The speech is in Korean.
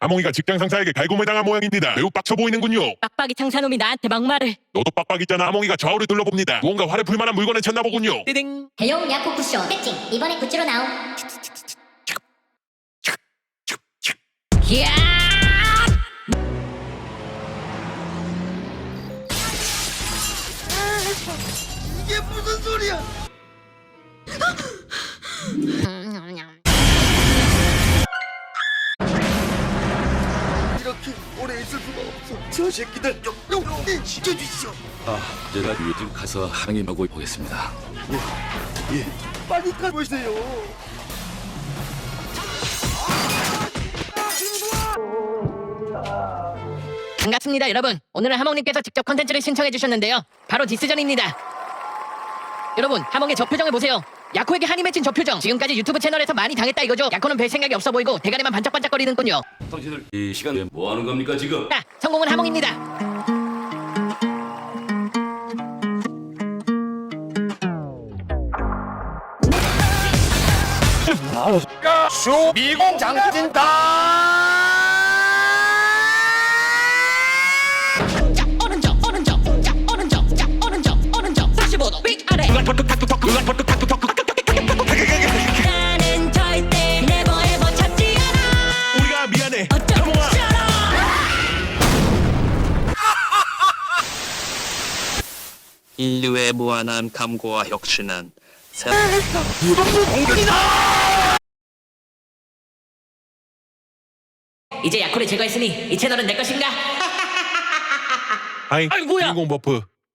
하몽이가 직장 상사에게 갈굼을 당한 모양입니다. 매우 빡쳐 보이는군요. 빡빡이 창사놈이 나한테 막말을. 너도 빡빡 있잖아. 하몽이가 좌우를 둘러봅니다. 무언가 화를 풀 만한 물건을 찾나 보군요. 띠딩. 대용 야구 쿠션 패칭 이번에 굿즈로 나옴. 이야! 이게 무슨 소리야? 이렇게 오래 있을 수가 없어. 저 새끼들 좀 지켜주시오. 제가 요즘 가서 항의하고 보겠습니다. 예, 빨리 가보세요. 반갑습니다, 여러분. 오늘은 하몽님께서 직접 컨텐츠를 신청해 주셨는데요. 바로 디스전입니다. 여러분, 하몽의 저 표정을 보세요. 야코에게 한이 맺힌 저 표정. 지금까지 유튜브 채널에서 많이 당했다 이거죠. 야코는 별 생각이 없어 보이고 대가리만 반짝반짝거리는군요. 당신들 이 시간에 뭐 하는 겁니까 지금? 자, 성공은 하몽입니다. 미공 장진다. 자, 오른쪽, 오른쪽. 자, 오른쪽. 자, 오른쪽, 오른쪽. 45도 위아래. 나는 절대 never ever 찾지 않아. 우리가 미안해. 어쩜 싫어. 인류의 무한한 감고와 혁신은 이제 야코를 제거했으니 이 채널은 내 것인가? 아이, 아이, 뭐야? 주인공 버프.